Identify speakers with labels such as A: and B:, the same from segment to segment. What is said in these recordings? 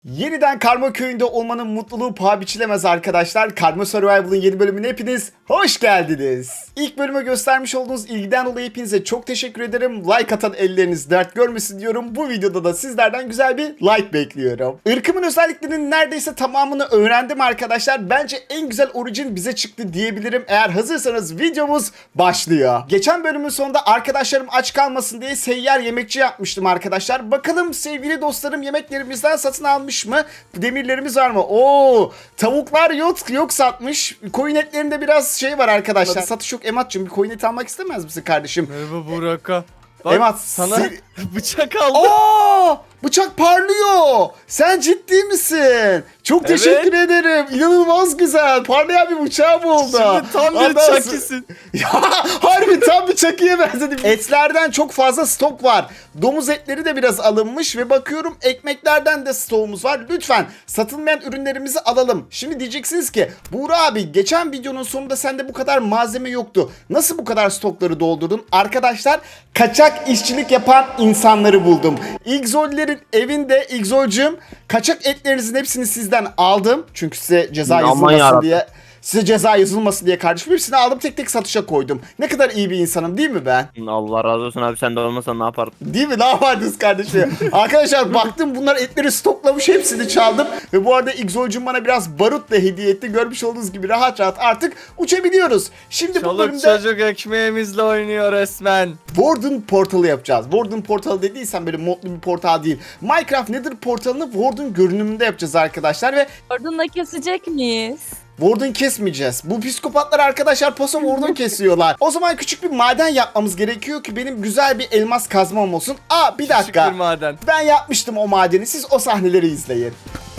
A: Yeniden Karma Köyü'nde olmanın mutluluğu paha biçilemez arkadaşlar. Karma Survival'ın yeni bölümüne hepiniz hoş geldiniz. İlk bölüme göstermiş olduğunuz ilgiden dolayı hepinize çok teşekkür ederim. Like atan elleriniz dert görmesin diyorum. Bu videoda da sizlerden güzel bir like bekliyorum. Irkımın özelliklerinin neredeyse tamamını öğrendim arkadaşlar. Bence en güzel origin bize çıktı diyebilirim. Eğer hazırsanız videomuz başlıyor. Geçen bölümün sonunda arkadaşlarım aç kalmasın diye seyyar yemekçi yapmıştım arkadaşlar. Bakalım sevgili dostlarım yemeklerimizden satın almış mı? Demirlerimiz var mı? Oo, tavuklar yok satmış. Koyun etlerinde biraz şey var arkadaşlar. Satış yok. Emat'cığım bir koyun eti almak istemez misin kardeşim?
B: Merhaba Burak'a. Bak
A: Emat
B: sana bıçak aldım.
A: Aa, bıçak parlıyor. Sen ciddi misin? Çok teşekkür ederim. İnanılmaz güzel. Parlayan bir bıçağım oldu.
B: Şimdi tam bir
A: Ondan
B: çakisin.
A: Ya harbi tam bir çakıya benzedim. Etlerden çok fazla stok var. Domuz etleri de biraz alınmış ve bakıyorum ekmeklerden de stoğumuz var. Lütfen satılmayan ürünlerimizi alalım. Şimdi diyeceksiniz ki Buğra abi geçen videonun sonunda sende bu kadar malzeme yoktu. Nasıl bu kadar stokları doldurdun? Arkadaşlar kaçak işçilik yapan insanları buldum. İgzollerin evinde İgzolcum kaçak etlerinizin hepsini sizden aldım. Çünkü size ceza yazılmasın diye. Size ceza yazılmasın diye kardeşim hepsini aldım tek tek satışa koydum. Ne kadar iyi bir insanım değil mi ben?
C: Allah razı olsun abi, sen de olmasan ne yapardın?
A: Değil mi? Ne yapardınız kardeşim? Arkadaşlar baktım bunlar etleri stoklamış hepsini çaldım. Ve bu arada İgzolcum bana biraz barut da hediye etti. Görmüş olduğunuz gibi rahat rahat artık uçabiliyoruz. Şimdi bu
B: Çoluk
A: bölümde
B: çocuk ekmeğimizle oynuyor resmen.
A: Warden portalı yapacağız. Warden portalı dediysen böyle modlu bir portal değil. Minecraft Nether portalını Warden görünümünde yapacağız arkadaşlar ve
D: Ordunla kesecek miyiz?
A: Warden kesmeyeceğiz. Bu psikopatlar arkadaşlar paso Warden kesiyorlar. O zaman küçük bir maden yapmamız gerekiyor ki benim güzel bir elmas kazmam olsun. Aa bir dakika.
B: Küçük bir maden.
A: Ben yapmıştım o madeni. Siz o sahneleri izleyin.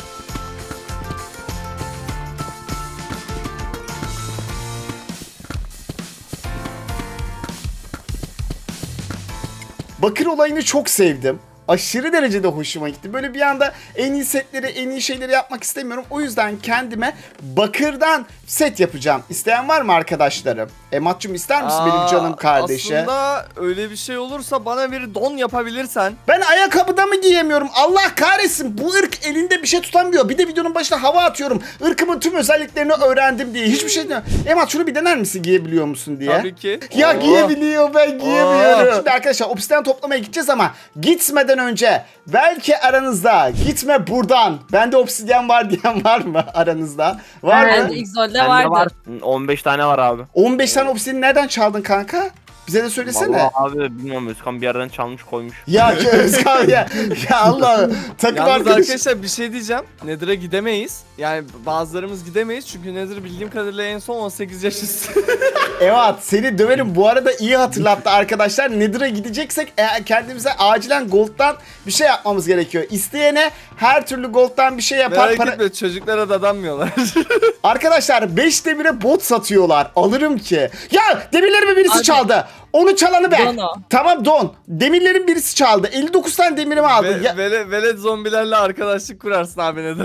A: Bakır olayını çok sevdim. Aşırı derecede hoşuma gitti. Böyle bir anda en iyi setleri, en iyi şeyleri yapmak istemiyorum. O yüzden kendime bakırdan set yapacağım. İsteyen var mı arkadaşlarım? Emat'cığım ister misin benim canım kardeşi?
B: Aslında öyle bir şey olursa bana bir don yapabilirsen.
A: Ben ayakkabıda mı giyemiyorum? Allah kahretsin. Bu ırk elinde bir şey tutamıyor. Bir de videonun başına hava atıyorum. Irkımın tüm özelliklerini öğrendim diye. Hiçbir şey demiyorum. Emat şunu bir dener misin giyebiliyor musun diye?
B: Tabii ki.
A: Ya
B: Oo.
A: giyebiliyor ben giyemiyorum. Şimdi arkadaşlar obsidian toplamaya gideceğiz ama gitmeden önce belki aranızda gitme buradan. Bende obsidian var diyen var mı aranızda? Var mı?
D: Bende Xol'de
C: Bende
D: vardı.
C: var. 15 tane var abi.
A: 15 tane obsidian nereden çaldın kanka? Bize de söylesene.
C: Vallahi abi bilmiyorum, Özkan bir yerden çalmış koymuş.
A: Ya Özkan ya. Ya Allah. Takım
B: Yalnız
A: arkadaş.
B: arkadaşlar bir şey diyeceğim. Nether'a gidemeyiz. Yani bazılarımız gidemeyiz çünkü Nether bildiğim kadarıyla en son 18 yaş üstü.
A: Evet seni döverim. Bu arada iyi hatırlattı arkadaşlar. Nether'a gideceksek kendimize acilen gold'dan bir şey yapmamız gerekiyor. İsteyene her türlü gold'dan bir şey yapar.
B: Merak etme, çocuklara dadanmıyorlar.
A: Arkadaşlar 5 demire bot satıyorlar. Alırım ki. Ya demirlerimi birisi
D: Abi.
A: çaldı. Onu çalanı ben.
D: Don o.
A: Tamam don. Demirlerin birisi çaldı. 59 tane demirimi aldı. Ya,
B: Velet zombilerle arkadaşlık kurarsın abi Nether'da.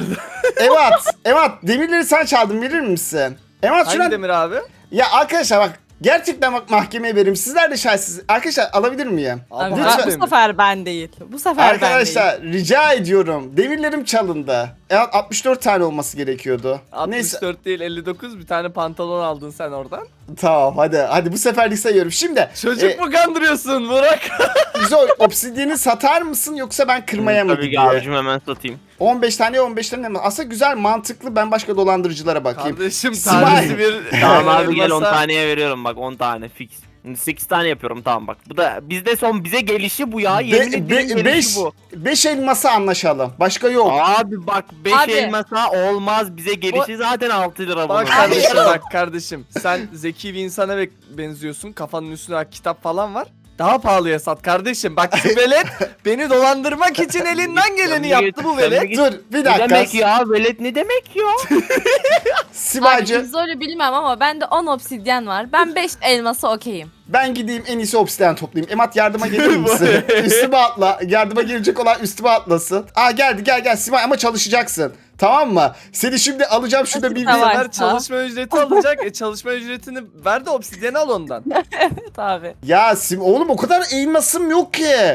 A: evet. Demirleri sen çaldın. Verir misin? Evet şuna...
B: Hangi demir abi?
A: Ya arkadaşlar bak. Gerçekten bak mahkemeye veririm. Sizler de şahitsiniz. Arkadaşlar alabilir miyim?
D: Abi,
A: Lütfen.
D: bu sefer ben değil. Bu sefer ben değil.
A: Arkadaşlar rica ediyorum. Demirlerim çalındı. Evet 64 tane olması gerekiyordu.
B: 64
A: Neyse
B: değil 59, bir tane pantolon aldın sen oradan.
A: tamam hadi bu seferlik sayıyorum. Şimdi
B: Çocuk mu kandırıyorsun Burak?
A: Zor obsidiyeni satar mısın yoksa ben kırmaya mı
C: Tabii ki
A: gideyim?
C: abicim, hemen satayım.
A: 15 tane mi? Aslında güzel mantıklı, ben başka dolandırıcılara bakayım.
B: Kardeşim
A: Simay.
B: tanesi bir...
C: Tamam abi gel 10
B: elmasa-
C: taneye veriyorum bak, 10 tane fix. 8 tane yapıyorum, tamam bak. Bu da bizde son, bize gelişi bu ya. Yemin ederim gelişi bu.
A: 5 elmasa anlaşalım. Başka yok.
C: Abi bak 5
D: Abi.
C: elmasa olmaz, bize gelişi zaten 6 lira bunun.
B: Bak kardeşim, bak kardeşim. Sen zeki bir insana benziyorsun. Kafanın üstüne kitap falan var. Daha pahalıya sat kardeşim. Bak şu velet beni dolandırmak için elinden geleni yaptı bu velet.
A: Dur bir
C: Ne
A: dakika.
C: demek ya, velet ne demek ya?
D: Abi
A: Sibacı
D: Xol'ü bilmem ama bende 10 obsidyen var. Ben 5 elması okeyim.
A: ben gideyim en iyisi obsidian toplayayım. Emat yardıma gelir misin? Üstüme atla. Yardıma gelecek olan üstüme atlasın. Aa geldi gel Sibay ama çalışacaksın. Tamam mı? Seni şimdi alacağım şurada bir
D: Tamam.
B: Ver çalışma ücreti alacak. Çalışma ücretini ver de obsidiyeni al ondan.
D: Evet abi.
A: Ya oğlum o kadar elmasım yok ki.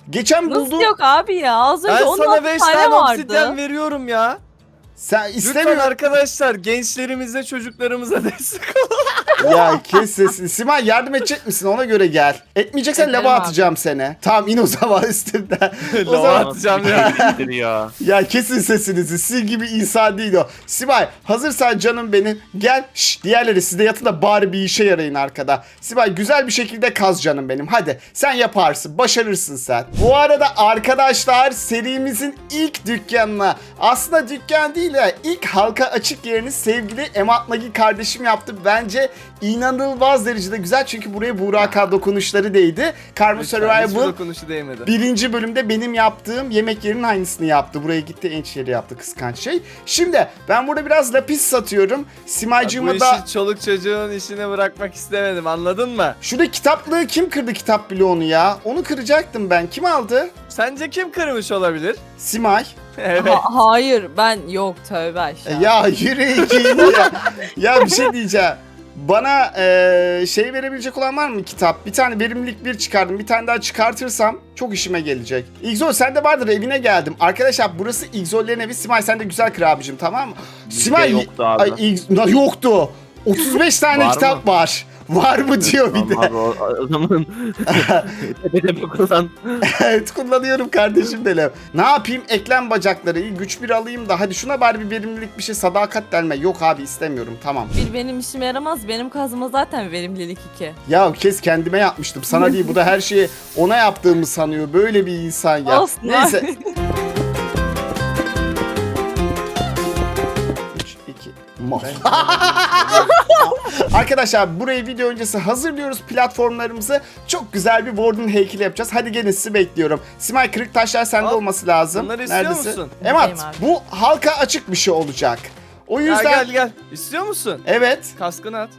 A: Geçen
D: Nasıl
A: buldum.
D: yok abi ya? Az önce
B: Ben
D: 16
B: sana 5
D: tane
B: tane
D: vardı.
B: obsidyen veriyorum ya.
A: Sen
B: Lütfen
A: istemiyorum.
B: arkadaşlar gençlerimize çocuklarımıza destek olun.
A: Ya kes sesini. Simay yardım edecek misin? Ona göre gel. Etmeyeceksen
D: Ederim
A: lava
D: abi.
A: atacağım seni. Tamam in o zaman üstümden. O
B: Lava
A: zaman
B: atacağım ya.
C: ya.
A: ya kesin sesinizi. Sizin gibi insan değil o. Simay hazırsan canım benim. Gel. Şş, diğerleri siz de yatın da bari bir işe yarayın arkada. Simay güzel bir şekilde kaz canım benim. Hadi sen yaparsın. Başarırsın sen. Bu arada arkadaşlar serimizin ilk dükkanına, aslında dükkan değil ya, ilk halka açık yerini sevgili Emat Nagi kardeşim yaptı. Bence inanılmaz derecede güzel çünkü buraya Burak dokunuşları değdi. Karma
B: Hiçbir
A: Survival
B: dokunuşu değmedi.
A: birinci bölümde benim yaptığım yemek yerinin aynısını yaptı. Buraya gitti ençleri yaptı, kıskanç şey. Şimdi ben burada biraz lapis satıyorum.
B: Bu
A: Simacığıma
B: işi
A: da...
B: çoluk çocuğun işine bırakmak istemedim, anladın mı?
A: Şurada kitaplığı kim kırdı, kitap bloğunu ya? Onu kıracaktım ben. Kim aldı?
B: Sence kim kırmış olabilir?
A: Simay.
B: Evet.
D: Hayır ben yok tövbe aşağı.
A: Ya yürü git ya. Ya bir şey diyeceğim. Bana şey verebilecek olan var mı kitap? Bir tane verimlilik 1 çıkardım. Bir tane daha çıkartırsam çok işime gelecek. İgzol sen de vardır, evine geldim. Arkadaşlar burası İgzol'lerin evi. Simay sen de güzel kır abicim, tamam mı? Simay
C: yoktu abi.
A: Yoktu. 35 tane
C: Var
A: kitap var. Var mı diyor bir de.
C: Abi o zaman tepede kullan.
A: Evet kullanıyorum kardeşim benim. Ne yapayım? Eklem bacakları. İyi, güç 1 alayım da hadi şuna bari bir verimlilik bir şey, sadakat delme. Yok abi istemiyorum, tamam.
D: Bir benim işime yaramaz. Benim kazma zaten verimlilik 2.
A: Ya kes, kendime yapmıştım. Sana değil, bu da her şeyi ona yaptığımı sanıyor. Böyle bir insan ya.
D: Olsun
A: Neyse.
D: abi.
A: 3, 2, mal. Arkadaşlar burayı video öncesi hazırlıyoruz platformlarımızı. Çok güzel bir Warden heykeli yapacağız. Hadi gelin sizi bekliyorum. Simay kırık taşlar sende
B: Al,
A: olması lazım.
B: bunları istiyor musun?
A: Emat
D: İsteyim abi.
A: bu halka açık bir şey olacak. O
B: Ya
A: yüzden...
B: gel. İstiyor musun?
A: Evet.
B: Kaskını at.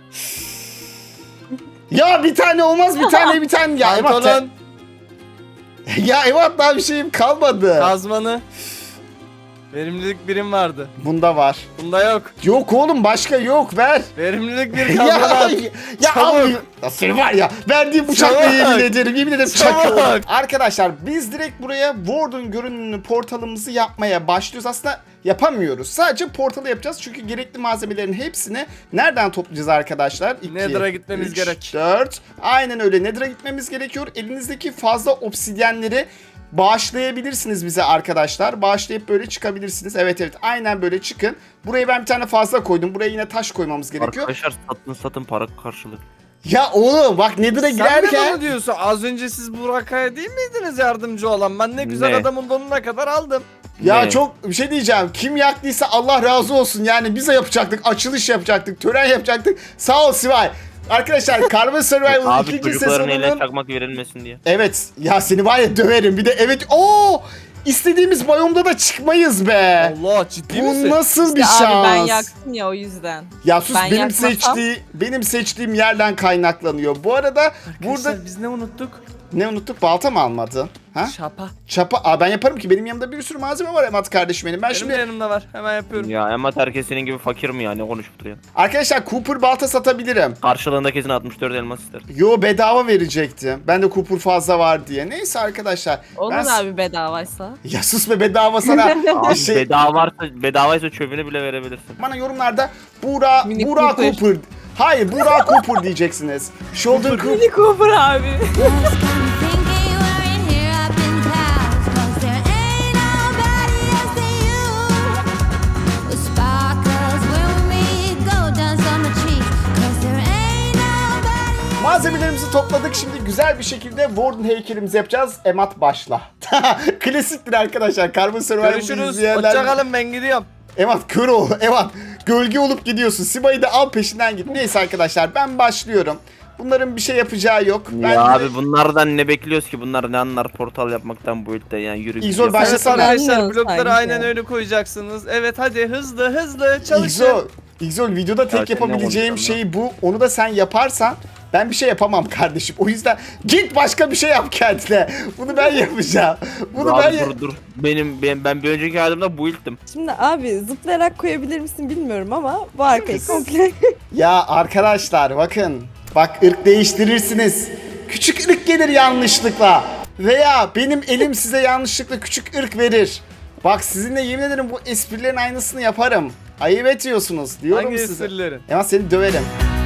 A: Ya bir tane olmaz, bir tane. Ya Emat,
B: Pantolon,
A: ya Emat daha bir şeyim kalmadı.
B: kazmanı. Verimlilik birim vardı.
A: Bunda var.
B: Bunda yok.
A: Yok oğlum, başka yok, ver.
B: Verimlilik bir
A: ya
B: kazmanı at.
A: ya
B: Çabuk.
A: abi. Ya seni var ya, verdiğim bıçakla
B: Çabuk.
A: yemin ederim
B: Çabuk.
A: çakıyorum. Arkadaşlar biz direkt buraya Warden görünümlü portalımızı yapmaya başlıyoruz. Aslında yapamıyoruz. Sadece portalı yapacağız çünkü gerekli malzemelerin hepsini nereden toplayacağız arkadaşlar? 2,
B: Nether'a gitmemiz gerek.
A: 4. Aynen öyle, Nether'a gitmemiz gerekiyor. Elinizdeki fazla obsidyenleri bağışlayabilirsiniz bize arkadaşlar. Bağışlayıp böyle çıkabilirsiniz. Evet aynen böyle çıkın. Buraya ben bir tane fazla koydum. Buraya yine taş koymamız gerekiyor.
C: Arkadaşlar satın para karşılığı.
A: Ya oğlum bak Nether'a
B: Sen de
A: girerken...
B: bunu diyorsun. Az önce siz Burak'a değil miydiniz yardımcı olan? Ben ne güzel
C: Ne?
B: adamın donuna kadar aldım.
A: Ya
C: Ne?
A: çok bir şey diyeceğim. Kim yaktıysa Allah razı olsun. Yani bize yapacaktık. Açılış yapacaktık. Tören yapacaktık. Sağ ol Sivay. Arkadaşlar Karma Survival'ın
C: Abi
A: ikinci
C: çocukların eline
A: sezonunun...
C: çakmak verilmesin diye.
A: Evet. Ya seni var ya döverim. Bir de evet. Oo! İstediğimiz biyomda da çıkmayız be.
B: Allah, ciddi
A: Bu
B: misin?
A: nasıl bir
D: Abi
A: şans?
D: ben yaktım ya o yüzden.
A: Ya sus,
D: Ben yakmasam-
A: benim seçtiğim yerden kaynaklanıyor. Bu arada burada
B: Arkadaşlar biz ne unuttuk?
A: ne unuttuk? Balta mı almadın? Ha?
B: Şapa.
A: Çapa. Aa, ben yaparım ki, benim yanımda bir sürü malzeme var Emat kardeşim benim. Ben
B: Benim
A: şimdi
B: de yanımda var. Hemen yapıyorum.
C: Ya ama herkes senin gibi fakir mi ya, ne konuşup duruyor?
A: arkadaşlar Cooper balta satabilirim.
C: Karşılığında kesin 64 elmas ister.
A: Yo bedava verecektim. Ben de Cooper fazla var diye. Neyse arkadaşlar.
D: Olur
A: ben...
D: abi bedavaysa.
A: Ya sus be, bedava sana.
C: Abi
A: şey,
C: bedavaysa çöpünü bile verebilirsin.
A: bana yorumlarda Buğra
D: Mini
A: Cooper.
D: Cooper.
A: Hayır Buğra Cooper diyeceksiniz. Shoulder Cooper.
D: Mini Cooper abi.
A: Malzemelerimizi topladık. Şimdi güzel bir şekilde Warden heykelimizi yapacağız. Emat başla. Klasiktir arkadaşlar. Karma Survival'ı
B: Görüşürüz.
A: izleyenler.
B: Hoşçakalın, ben gidiyorum.
A: Emat kör ol. Emat gölge olup gidiyorsun. Siba'yı da al peşinden git. Neyse arkadaşlar ben başlıyorum. Bunların bir şey yapacağı yok. Ben
C: Ya
A: de-
C: abi bunlardan ne bekliyoruz ki? Bunlar ne anlar portal yapmaktan bu ülkede, yani yürü.
A: İzol,
C: git.
A: başlasana.
B: Evet arkadaşlar,
D: Aynen,
B: blokları
D: sanki.
B: aynen öyle koyacaksınız. Evet hadi hızlı çalışın.
A: İgzol videoda tek
C: Zaten ne
A: yapabileceğim
C: konuşacağım
A: şey bu. Onu da sen yaparsan ben bir şey yapamam kardeşim. O yüzden git başka bir şey yap kendine. Bunu ben yapacağım. Bunu ben
C: Abi dur. Ben bir önceki halimde bu ilktim.
E: Şimdi abi zıplayarak koyabilir misin bilmiyorum ama bu arkayı komple.
A: Ya arkadaşlar bakın. Bak ırk değiştirirsiniz. Küçük ırk gelir yanlışlıkla. veya benim elim size yanlışlıkla küçük ırk verir. Bak sizinle yemin ederim bu esprilerin aynısını yaparım. Ayıp ediyorsunuz diyorum
B: Hangi
A: size.
B: esirlerin?
A: Ama seni döverim.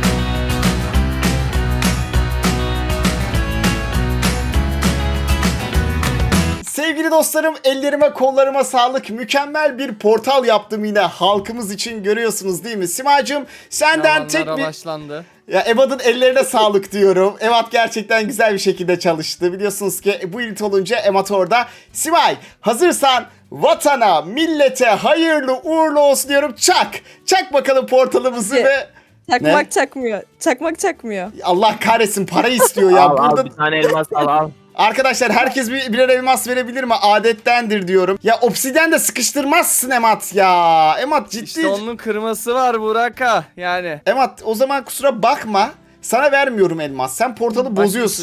A: Sevgili dostlarım, ellerime kollarıma sağlık. Mükemmel bir portal yaptım yine halkımız için, görüyorsunuz değil mi? Simacığım senden tek
B: Yalanlara
A: bir...
B: başlandı.
A: Ya Evat'ın ellerine sağlık diyorum. Evat gerçekten güzel bir şekilde çalıştı. Biliyorsunuz ki bu ilit olunca Emat orada. Simay hazırsan vatana, millete hayırlı uğurlu olsun diyorum. Çak! Çak bakalım portalımızı
E: Ne?
A: ve...
E: Çakmak
A: Ne?
E: çakmıyor. Çakmak çakmıyor.
A: Allah kahretsin, para istiyor ya.
C: Al
A: Burada...
C: al bir tane elmas al.
A: Arkadaşlar herkes birer elmas verebilir mi? Adettendir diyorum. Ya obsidyen de sıkıştırmazsın Emat ya. Emat ciddi.
B: İşte onun kırması var Burak'a yani.
A: Emat o zaman kusura bakma. Sana vermiyorum elmas. Sen portalı
B: Bak,
A: bozuyorsun.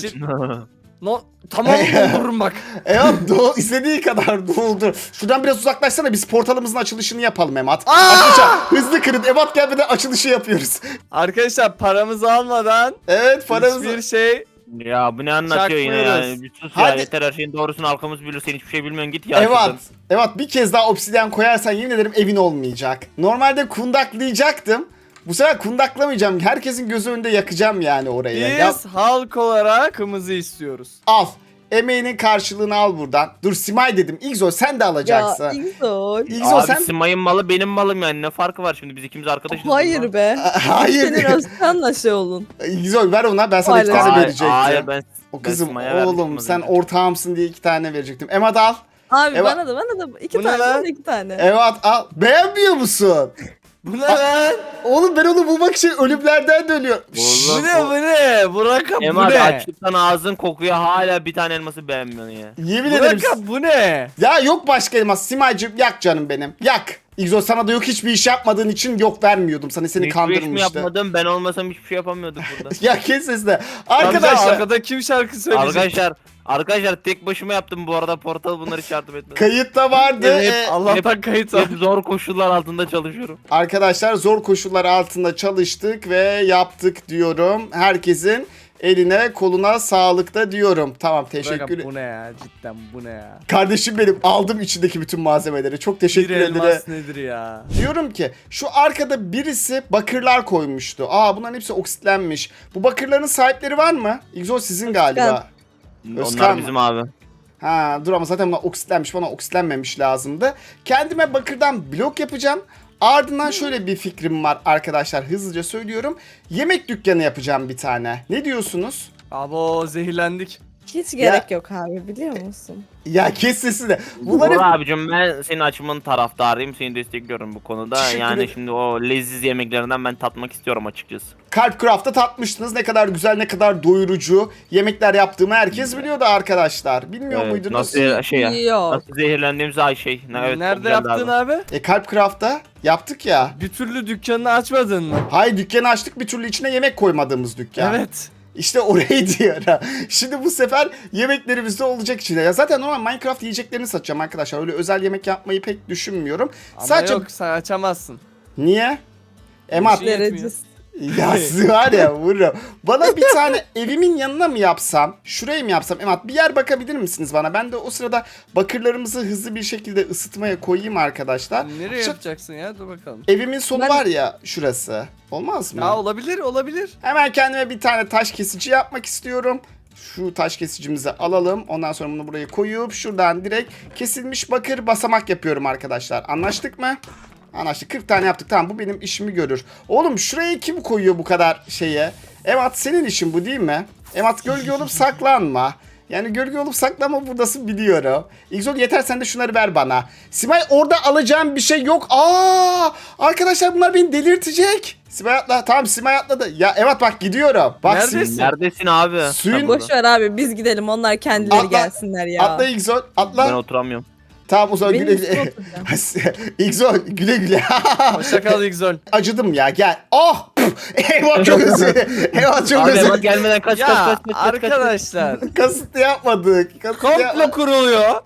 B: No, tamam doldururum bak.
A: Emat istediği kadar doldur. Şuradan biraz uzaklaşsana, biz portalımızın açılışını yapalım Emat.
B: Aa!
A: Arkadaşlar hızlı kırın. Emat gelmeden açılışı yapıyoruz.
B: Arkadaşlar paramızı almadan
A: Evet, paramızı...
B: hiçbir şey
C: Ya bu ne anlatıyor yine
B: Çakmıyoruz.
C: yani. Bir sus ya,
A: Hadi.
C: yeter, her şeyin doğrusunu halkımız bilir, sen hiçbir şey bilmiyorsun, git ya.
A: Evet.
C: şuradan.
A: Evet, bir kez daha obsidyen koyarsan yemin ederim evin olmayacak. Normalde kundaklayacaktım. Bu sefer kundaklamayacağım. Herkesin gözü önünde yakacağım yani orayı.
B: biz
A: Ya,
B: halk olarak kımızı istiyoruz.
A: al. Emeğinin karşılığını al buradan. Dur Simay dedim. İgzo sen de alacaksın.
E: Ya İgzol.
A: İgzo
C: Abi
A: sen...
C: Simay'ın malı benim malım yani, ne farkı var şimdi, biz ikimiz arkadaşız.
E: Hayır be.
A: Hayır.
E: Senin Özkan'la şey olun.
A: İgzo ver ona, ben sana iki
E: Hayır.
A: tane
C: Hayır,
A: verecektim.
C: hayır ben
A: O kızım
C: Sima'ya vermiştim
A: oğlum
C: az
A: sen
C: önce.
A: ortağımsın diye 2 tane verecektim. Emad al.
E: Abi
A: Evet.
E: bana da iki
B: Bu ne
E: tane
B: lan?
E: bana 2 tane.
A: Emad al. Beğenmiyor musun?
B: Bu ne lan?
A: Oğlum ben onu bulmak için ölümlerden dönüyorum.
C: Oğlum,
B: Bu ne? Burak'a bu
C: Emad
B: ne?
C: açlıktan ağzın kokuyor, hala bir tane elması beğenmiyorsun ya.
A: Yemin ederim.
B: Burak'a bu ne?
A: Ya yok başka elmas. Simaycığım yak canım benim. Yak. İgzo sana da yok, hiçbir iş yapmadığın için yok vermiyordum. Seni
C: Hiçbir iş mi
A: kandırmıştı.
C: yapmadım, ben olmasam hiçbir şey yapamıyorduk burada.
A: Ya kes sesini.
B: Arkadaşlar.
A: Arkadaşlar
B: Arkada kim şarkı söyleyecek?
C: Arkadaşlar tek başıma yaptım bu arada, portal bunları hiç yardım etmedi.
A: kayıtta vardı.
C: Evet,
B: Allah'tan kayıt al.
C: Hep zor koşullar altında çalışıyorum.
A: Arkadaşlar zor koşullar altında çalıştık ve yaptık diyorum. Herkesin eline koluna sağlık da diyorum. Tamam, teşekkür
B: Burak'a
A: ederim.
B: bu ne ya? Cidden bu ne ya?
A: Kardeşim benim, aldım içindeki bütün malzemeleri. Çok
B: Bir
A: teşekkür ederim.
B: elmas nedir ya?
A: Diyorum ki şu arkada birisi bakırlar koymuştu. Aa, bunların hepsi oksitlenmiş. Bu bakırların sahipleri var mı? İgzo sizin galiba. Özkan
C: Onlar
A: mı?
C: bizim abi.
A: Ha dur, ama zaten bunlar oksitlenmiş, bana oksitlenmemiş lazımdı. Kendime bakırdan blok yapacağım. Ardından şöyle bir fikrim var arkadaşlar, hızlıca söylüyorum. Yemek dükkanı yapacağım bir tane. Ne diyorsunuz?
B: Abo zehirlendik.
E: Hiç gerek yok abi, biliyor musun?
A: Ya kes sesini.
C: Bunları...
A: Bunları...
C: abicim, ben senin açımın taraftarıyım, seni destekliyorum bu konuda.
A: Teşekkür
C: Yani
A: ederim.
C: şimdi o leziz yemeklerinden ben tatmak istiyorum açıkçası.
A: Kalpcraft'ta tatmıştınız. Ne kadar güzel, ne kadar doyurucu yemekler yaptığımı herkes biliyordu arkadaşlar. Bilmiyor
C: Evet,
A: muydunuz?
C: nasıl şey ya?
E: Yok.
C: Nasıl zehirlendiğimiz ay şey. Evet, çok
B: Nerede
C: güzeldi
B: yaptın abi?
A: Kalpcraft'ta yaptık ya.
B: Bir türlü dükkanını açmadın mı?
A: Hayır, dükkanı açtık, bir türlü içine yemek koymadığımız dükkan.
B: Evet.
A: İşte orayı diyorum. Şimdi bu sefer yemeklerimiz de olacak içinde. Ya zaten normal Minecraft yiyeceklerini satacağım arkadaşlar. Öyle özel yemek yapmayı pek düşünmüyorum.
B: Ama
A: Sadece...
B: yok, sen açamazsın.
A: Niye? Emat.
B: Bir şey-
E: Derecesi.
A: Ya siz var ya, vururum. Bana bir tane evimin yanına mı yapsam? Şuraya mı yapsam? Emat, bir yer bakabilir misiniz bana? Ben de o sırada bakırlarımızı hızlı bir şekilde ısıtmaya koyayım arkadaşlar.
B: Nereye
A: Şu-
B: yapacaksın ya? Dur bakalım.
A: Evimin sonu
E: Ben-
A: var ya, şurası. Olmaz mı?
B: Ya olabilir, olabilir.
A: Hemen kendime bir tane taş kesici yapmak istiyorum. Şu taş kesicimizi alalım. Ondan sonra bunu buraya koyup şuradan direkt kesilmiş bakır basamak yapıyorum arkadaşlar. Anlaştık mı? Anlaştık. 40 tane yaptık. Tamam, bu benim işimi görür. Oğlum şuraya kim koyuyor bu kadar şeye? Emat, senin işin bu değil mi? Emat, gölge olup saklanma. Yani gölge olup saklanma, buradasın biliyorum. İgzol, yeter sen de şunları ver bana. Simay, orada alacağım bir şey yok. Aa! Arkadaşlar bunlar beni delirtecek. Simay atla. Tamam, Simay atladı. Ya evet, bak gidiyorum. Bak
B: Neredesin?
C: Neredesin abi?
A: Suyun-
C: Sen
E: Boş
C: burada.
E: ver abi, biz gidelim, onlar kendileri
A: Atla.
E: gelsinler ya.
A: Atla İgzol, atla.
C: Ben oturamıyorum.
A: Tamam o zaman
E: Benim
A: güle
E: üstüme
A: güle.
E: oturacağım.
A: İgzol, güle güle.
B: Hoşça kal İgzol.
A: Acıdım ya, gel. Oh! Eyvah, çok özür dilerim. Eyvah, çok
C: Abi
A: özür
C: Emad
A: dilerim.
C: gelmeden kaç
B: Ya
C: kaç kaç.
B: arkadaşlar.
A: Kasıtlı yapmadık. Kasıtlı
B: Komplo kuruluyor.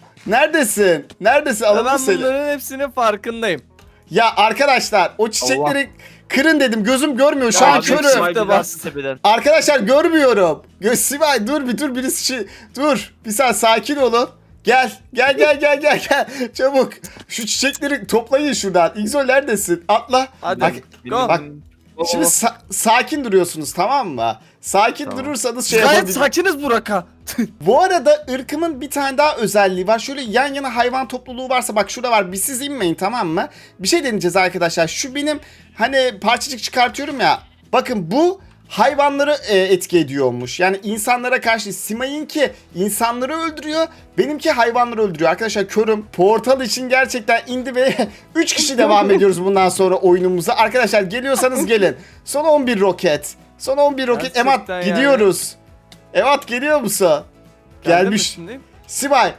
A: Neredesin? Neredesin?
B: Ve
A: Alalım
B: ben
A: seni.
B: bunların hepsinin farkındayım.
A: Ya arkadaşlar, o çiçekleri Kırın dedim. Gözüm görmüyor. Şu
B: Ya
A: an
B: abi,
A: körüm.
B: Sibel-
C: Sibel
B: bas.
C: tepeden.
A: Arkadaşlar görmüyorum. Sibel dur bir dur birisi dur. Bir saniye sakin olun. Gel. Çabuk. Şu çiçekleri toplayın şuradan. İgzol neredesin? Atla.
B: Hadi.
A: Bak,
B: Go.
A: bak. Şimdi sakin duruyorsunuz tamam mı? Sakin
C: Tamam.
A: durursanız şey
B: Gayet
A: yapabilirsiniz.
B: sakiniz Burak'a.
A: Bu arada ırkımın bir tane daha özelliği var. Şöyle yan yana hayvan topluluğu varsa bak şurada var. Bir siz inmeyin tamam mı? Bir şey deneyeceğiz arkadaşlar. Şu benim hani parçacık çıkartıyorum ya. Bakın bu hayvanları etki ediyormuş. Yani insanlara karşı Simay'ınki insanları öldürüyor. Benimki hayvanları öldürüyor. Arkadaşlar körüm. Portal için gerçekten indi ve 3 kişi devam ediyoruz bundan sonra oyunumuza. Arkadaşlar geliyorsanız gelin. Son 11 roket. Son 11 roket.
B: Gerçekten
A: Emat
B: yani.
A: gidiyoruz. Emat geliyor musun? Gelmiş.
B: Geldim
A: Sibel.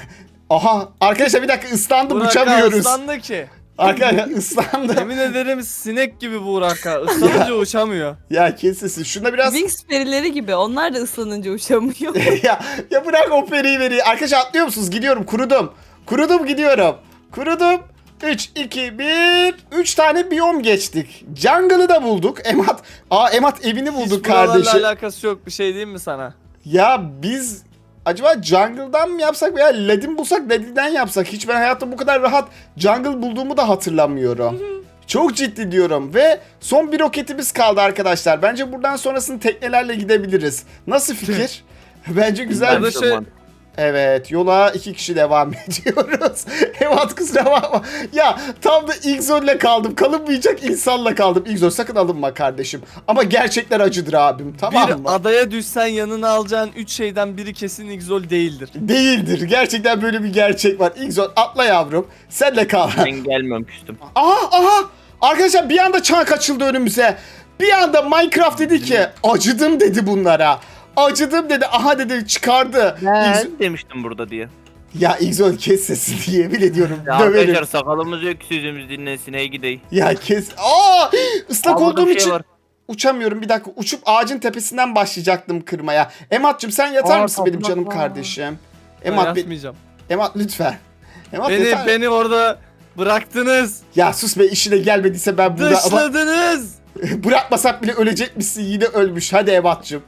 A: Aha arkadaşlar bir dakika ıslandım
B: Burak'a
A: uçamıyoruz.
B: ıslandı ki.
A: Arkadaşlar ıslandım.
B: Yemin ederim sinek gibi Burak'a. Islanınca uçamıyor.
A: Ya kesin şunda biraz
E: Wings perileri gibi. Onlar da ıslanınca uçamıyor.
A: ya bırak o periyi veri. Arkadaşlar atlıyor musunuz? Gidiyorum kurudum. Kurudum gidiyorum. Kurudum. 3, 2, 1. 3 tane biyom geçtik. Jungle'ı da bulduk. Emat evini bulduk
B: Hiç buralarla
A: kardeşi.
B: alakası yok bir şey diyeyim mi sana?
A: Ya biz acaba jungle'dan mı yapsak veya ledin bulsak lediden yapsak? Hiç ben hayatta bu kadar rahat jungle bulduğumu da hatırlamıyorum. Çok ciddi diyorum ve son bir roketimiz kaldı arkadaşlar. Bence buradan sonrasını teknelerle gidebiliriz. Nasıl fikir? Bence güzel
B: Ben
A: bir
B: de
A: şey.
B: şey-
A: Evet yola 2 kişi devam ediyoruz. Evet kusura bakma. Ya tam da Igzol'le kaldım. Kalınmayacak insanla kaldım. Igzol sakın alınma kardeşim. Ama gerçekler acıdır abim tamam mı?
B: Bir adaya düşsen yanına alacağın 3 şeyden biri kesin Igzol değildir.
A: Değildir. Gerçekten böyle bir gerçek var. Igzol atla yavrum. Senle kal.
C: Ben gelmiyorum küstüm.
A: Aha. Arkadaşlar bir anda çank açıldı önümüze. Bir anda Minecraft dedi ki acıdım dedi bunlara. Acıdım dedi. Aha dedi çıkardı.
C: Ben demiştim burada diye.
A: Ya Igzol kes sesini diye yemin ediyorum.
C: Ya
A: Döverim.
C: arkadaşlar sakalımız yok ki sözümüz dinlensin hey gidey.
A: Ya kes. Islak
C: Aa, burada
A: olduğum
C: bir şey
A: için
C: var.
A: uçamıyorum. Bir dakika uçup ağacın tepesinden başlayacaktım kırmaya. Emat'cığım sen yatar
C: Aa,
A: mısın benim
C: toprak
A: canım
C: var.
A: kardeşim?
B: Ben
A: Emat,
B: yapmayacağım.
A: Emat lütfen. Emat yeter.
B: Beni orada bıraktınız.
A: Ya sus be işine gelmediyse ben burada...
B: Dışladınız.
A: Bırakmasak bile ölecekmişsin yine ölmüş. Hadi Ebat'cığım.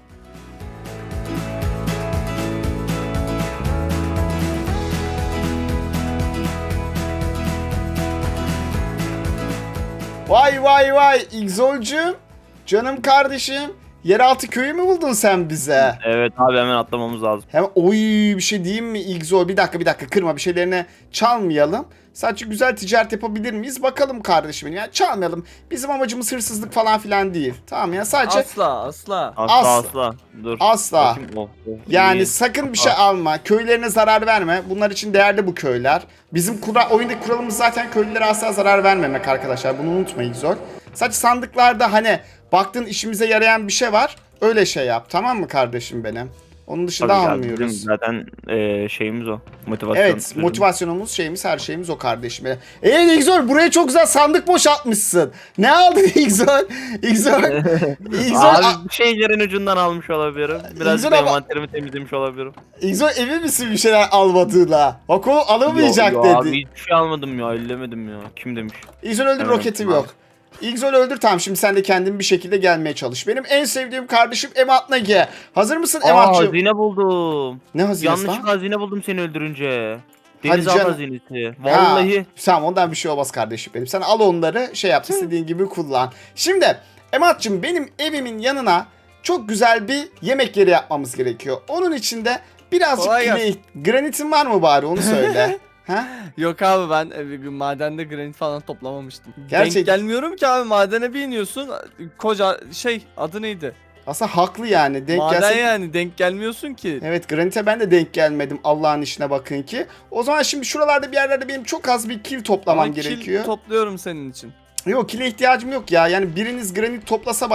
A: Vay İgzol'cum. Canım kardeşim. Yeraltı köyü mü buldun sen bize?
C: Evet abi hemen atlamamız lazım.
A: Hemen bir şey diyeyim mi İgzol? Bir dakika kırma bir şeylerine çalmayalım. Sadece güzel ticaret yapabilir miyiz? Bakalım kardeşim benim. Yani çalmayalım. Bizim amacımız hırsızlık falan filan değil. Tamam ya sadece
B: Asla.
C: Asla. Dur.
A: Asla.
C: Bakayım,
A: yani
C: iyi.
A: sakın bir şey alma. Köylerine zarar verme. Bunlar için değerli bu köyler. Bizim oyundaki kuralımız zaten köylülere asla zarar vermemek arkadaşlar. Bunu unutmayın zor. Sadece sandıklarda hani baktığın işimize yarayan bir şey var. Öyle şey yap. Tamam mı kardeşim benim? Onun dışında
C: Tabii ki abi,
A: almıyoruz.
C: bizim zaten şeyimiz o. Motivasyon.
A: Evet, motivasyonumuz, şeyimiz, her şeyimiz o kardeşim. İgzol buraya çok güzel sandık boşaltmışsın. Ne aldın İgzol? İgzol.
C: Abi bir şeylerin ucundan almış olabilirim. Biraz
A: İgzol
C: da
A: ama-
C: envanterimi temizlemiş olabilirim.
A: İgzol emin misin bir şeyler almadığına? Bak o alamayacak
C: Yo,
A: dedi.
C: Abi hiçbir şey almadım ya, ellemedim ya. Kim demiş?
A: İgzol öldür
C: Evet,
A: roketim
C: tamam.
A: yok. İgzol öldür tamam şimdi sen de kendin bir şekilde gelmeye çalış. Benim en sevdiğim kardeşim Emat Nagi. Hazır mısın
C: Aa,
A: Emat'cığım?
C: hazine buldum.
A: Ne hazinesi lan?
C: Yanlışlıkla hazine buldum seni öldürünce.
A: Hadi
C: Denizaltı
A: canım.
C: hazinesi. Vallahi.
A: Ha, tamam ondan bir şey olmaz kardeşim benim. Sen al onları şey yap istediğin gibi kullan. Şimdi Emat'cığım benim evimin yanına çok güzel bir yemek yeri yapmamız gerekiyor. Onun için de birazcık
B: Kolay gelsin.
A: granitin var mı bari onu söyle. Ha?
B: Yok abi ben madende granit falan toplamamıştım.
A: Gerçek-
B: Denk gelmiyorum ki abi madene bir iniyorsun. Koca adı neydi?
A: Aslında haklı yani. Denk
B: Maden
A: gelsek...
B: yani denk gelmiyorsun ki.
A: Evet granite ben de denk gelmedim Allah'ın işine bakın ki. O zaman şimdi şuralarda bir yerlerde benim çok az bir kil toplamam
B: Ama kil
A: gerekiyor.
B: topluyorum senin için.
A: Yok kile ihtiyacım yok ya. Yani biriniz granit toplasa bana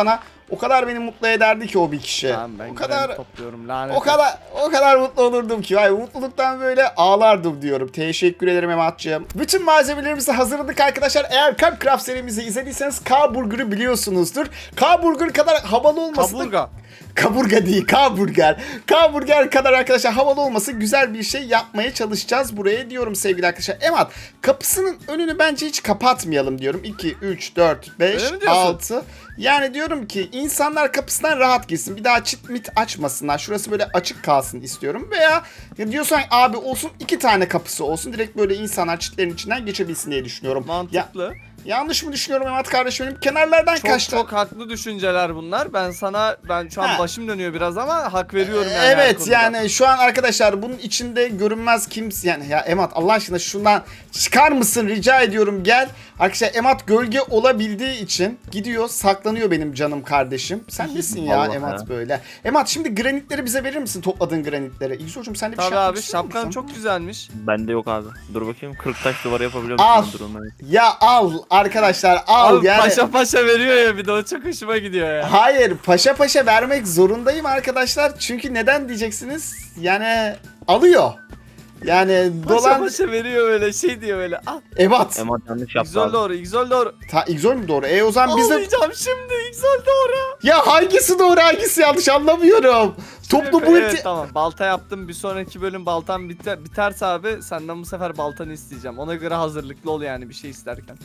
A: O kadar beni mutlu ederdi ki o bir kişi.
B: Tamam ben
A: o kadar
B: topluyorum lanet.
A: o kadar mutlu olurdum ki. Ay, mutluluktan böyle ağlardım diyorum. Teşekkür ederim Emat'cığım. Bütün malzemelerimizi hazırladık arkadaşlar. Eğer Craft serimizi izlediyseniz K-Burger'ı biliyorsunuzdur. K-Burger kadar havalı olması da...
B: Kaburga.
A: Kaburga değil, K-Burger. K-Burger kadar arkadaşlar havalı olması, güzel bir şey yapmaya çalışacağız buraya diyorum sevgili arkadaşlar. Emat, kapısının önünü bence hiç kapatmayalım diyorum. 2, 3, 4, 5,
B: Öyle mi diyorsun?
A: 6. Yani diyorum ki insanlar kapısından rahat girsin. Bir daha çit mit açmasınlar. Şurası böyle açık kalsın istiyorum. Veya diyorsan abi olsun 2 tane kapısı olsun. Direkt böyle insanlar çitlerin içinden geçebilsin diye düşünüyorum.
B: Mantıklı.
A: Yanlış mı düşünüyorum Emat kardeşim benim? Kenarlardan
B: Çok
A: kaçtı.
B: çok haklı düşünceler bunlar. Ben şu an
A: Ha.
B: başım dönüyor biraz ama hak veriyorum yani. her
A: Evet
B: konuda.
A: yani şu an arkadaşlar bunun içinde görünmez kimse yani ya Emat Allah aşkına şundan çıkar mısın rica ediyorum gel. Arkadaşlar Emat gölge olabildiği için gidiyor saklanıyor benim canım kardeşim. Sen nesin ya
C: Allah
A: Emat
C: ya.
A: böyle? Emat şimdi granitleri bize verir misin topladığın granitleri? İlsocuğum sen de bir
B: Tabii
A: şey yapmak
B: abi
A: istiyor
B: şapkan
A: musun?
B: çok güzelmiş.
C: Bende yok abi. Dur bakayım 40 taş duvarı yapabiliyor
A: Al.
C: musun? Dur onu.
A: Ya al arkadaşlar al
B: Abi
A: yani.
B: paşa paşa veriyor ya bir de o çok hoşuma gidiyor ya.
A: Hayır paşa paşa vermek zorundayım arkadaşlar. Çünkü neden diyeceksiniz? Yani alıyor. Yani
B: Paşa
A: dolan
B: paşa veriyor öyle şey diyor öyle. Ah
A: Ebat.
C: Emat yanlış yaptı
B: İgzol
C: abi.
B: doğru İgzol doğru.
A: İgzol mu doğru? O zaman biz de...
B: Ağlayacağım şimdi İgzol doğru.
A: Ya hangisi doğru hangisi yanlış anlamıyorum. Toplu bu
B: Evet tamam balta yaptım bir sonraki bölüm baltam biterse abi senden bu sefer baltanı isteyeceğim. Ona göre hazırlıklı ol yani bir şey isterken.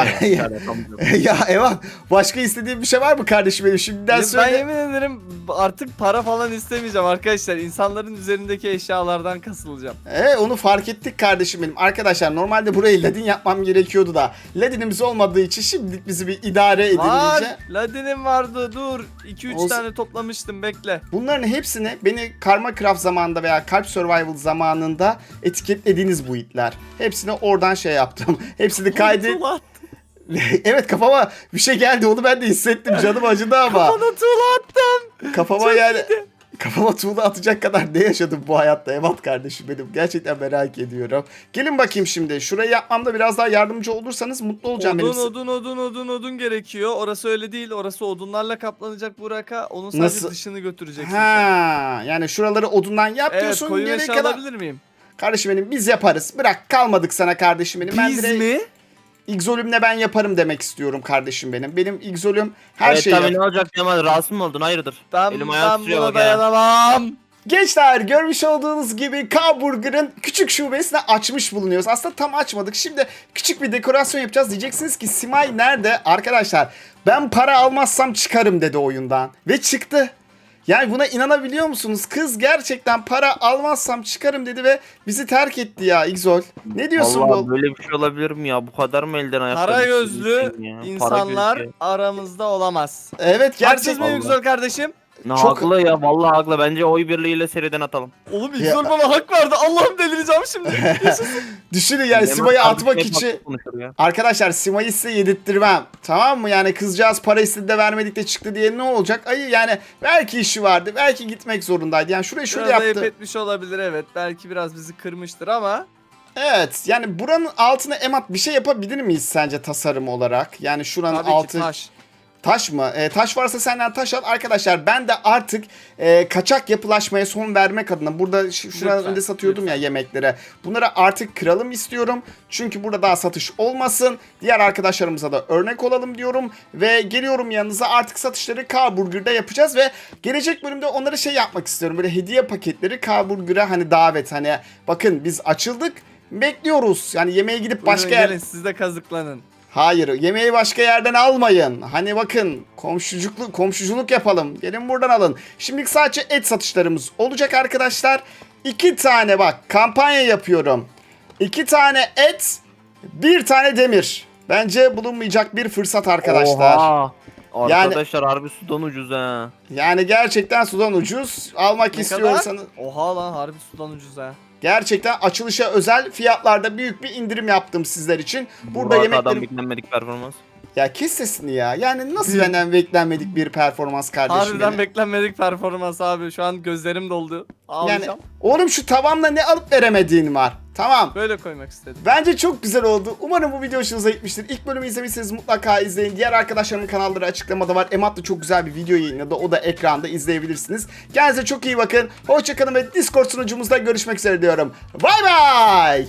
A: Ya Evan başka istediğin bir şey var mı kardeşim benim şimdiden
B: Ben
A: söyle.
B: yemin ederim artık para falan istemeyeceğim arkadaşlar. İnsanların üzerindeki eşyalardan kasılacağım.
A: Onu fark ettik kardeşim benim. Arkadaşlar normalde burayı ladin yapmam gerekiyordu da ladinimiz olmadığı için şimdilik bizi bir idare edin
B: Var.
A: iyice.
B: Ladinim vardı dur. 2-3
A: Olsun.
B: tane toplamıştım bekle.
A: Bunların hepsini beni Karma Craft zamanında veya Kalp Survival zamanında etiketlediğiniz bu itler. Hepsini oradan şey yaptım. Hepsini kaydet.
B: Tuğla attım.
A: Evet kafama bir şey geldi onu ben de hissettim canım acıdı ama.
B: Bana tuğla attım.
A: Kafama
B: Çok
A: yani
B: iyiydi.
A: kafama tuğla atacak kadar ne yaşadım bu hayatta Evat kardeşim benim. Gerçekten merak ediyorum. Gelin bakayım şimdi. Şurayı yapmamda biraz daha yardımcı olursanız mutlu olacağım
B: Odun gerekiyor. Orası öyle değil. Orası odunlarla kaplanacak Burak'a. Onun sadece
A: Nasıl?
B: dışını götüreceksin. sen.
A: Ha, yani şuraları odundan yap
B: Evet
A: diyorsun.
B: koyu
A: Geriye
B: meşe
A: kadar...
B: alabilir miyim?
A: Kardeşim benim biz yaparız. Bırak kalmadık sana kardeşim benim. Ben
B: Biz
A: direkt
B: mi?
A: İgzolümle ben yaparım demek istiyorum kardeşim benim. Benim İgzolüm her
C: Evet
A: şeyi
C: tabii
A: yap.
C: ne olacak Cemal rahatsız mı oldun hayırdır?
B: Ben
C: Elim ayağım
B: buna
C: tutuyor bak ya.
B: dayanamam.
A: Gençler görmüş olduğunuz gibi K-Burger'ın küçük şubesini açmış bulunuyoruz. Aslında tam açmadık. Şimdi küçük bir dekorasyon yapacağız. Diyeceksiniz ki Simay nerede? Arkadaşlar ben para almazsam çıkarım dedi oyundan. Ve çıktı. Yani buna inanabiliyor musunuz? Kız gerçekten para almazsam çıkarım dedi ve bizi terk etti ya İgzol. Ne diyorsun
C: Vallahi
A: bu?
C: böyle bir şey olabilir mi ya? Bu kadar mı elden ayaktan?
B: Para
C: düştü
B: gözlü
C: insan ya? Para
B: insanlar
C: gözlü.
B: aramızda olamaz.
A: Evet
B: Haksız
A: gerçekten.
B: mıyım Yüksel kardeşim?
C: Ne
A: Çok-
C: haklı ya vallahi haklı. Bence oy birliğiyle seriden atalım.
B: Oğlum Yüksel bana hak verdi. Allah'ım delireceğim şimdi.
A: Düşünün yani
C: Hemen
A: Simay'ı
C: kardeşim
A: atmak
C: hep
A: için.
C: haklı konuşur ya.
A: Arkadaşlar Simay'ı size yedirttirmem. Tamam mı? Yani kızcağız para istedi de vermedik de çıktı diye ne olacak? Ayı yani belki işi vardı. Belki gitmek zorundaydı. Yani şurayı şöyle
B: Biraz ayıp
A: yaptı.
B: etmiş olabilir evet. Belki biraz bizi kırmıştır ama.
A: Evet. Yani buranın altına Emat bir şey yapabilir miyiz sence tasarım olarak? Yani şuranın
B: Tabii
A: altı...
B: ki taş.
A: Taş mı? Taş varsa senden taş al. Arkadaşlar ben de artık kaçak yapılaşmaya son vermek adına burada şuranın
B: Lütfen,
A: önünde satıyordum ya yemeklere. Bunları artık kıralım istiyorum. Çünkü burada daha satış olmasın. Diğer arkadaşlarımıza da örnek olalım diyorum. Ve geliyorum yanınıza artık satışları K-Burger'da yapacağız ve gelecek bölümde onlara şey yapmak istiyorum. Böyle hediye paketleri K-Burger'a hani davet hani bakın biz açıldık bekliyoruz. Yani yemeğe gidip başka
B: Buyurun
A: yer...
B: gelin siz de kazıklanın.
A: Hayır, yemeği başka yerden almayın. Hani bakın, komşuculuk yapalım. Gelin buradan alın. Şimdilik sadece et satışlarımız olacak arkadaşlar. 2 tane bak, kampanya yapıyorum. 2 tane et, 1 tane demir. Bence bulunmayacak bir fırsat arkadaşlar.
C: Oha.
A: Yani-
C: Arkadaşlar harbi sudan ucuz ha.
A: Yani gerçekten sudan ucuz. Almak
B: Ne
A: istiyorsanız...
B: kadar? Oha lan harbi sudan ucuz ha.
A: Gerçekten açılışa özel fiyatlarda büyük bir indirim yaptım sizler için. Burada
C: Burak adam
A: yemeklerim...
C: beklenmedik performans.
A: Ya kes sesini ya. Yani nasıl benden beklenmedik bir performans kardeşim
B: Harbiden
A: benim.
B: beklenmedik performans abi. Şu an gözlerim doldu.
A: Yani
B: Ağlayacağım.
A: oğlum şu tavamla ne alıp veremediğin var. Tamam.
B: Böyle koymak istedim.
A: Bence çok güzel oldu. Umarım bu video hoşunuza gitmiştir. İlk bölümü izlemişseniz mutlaka izleyin. Diğer arkadaşlarımın kanalları açıklamada var. Emat da çok güzel bir video yayınladı. O da ekranda izleyebilirsiniz. Kendinize çok iyi bakın. Hoşçakalın ve Discord sunucumuzda görüşmek üzere diyorum. Bay bay.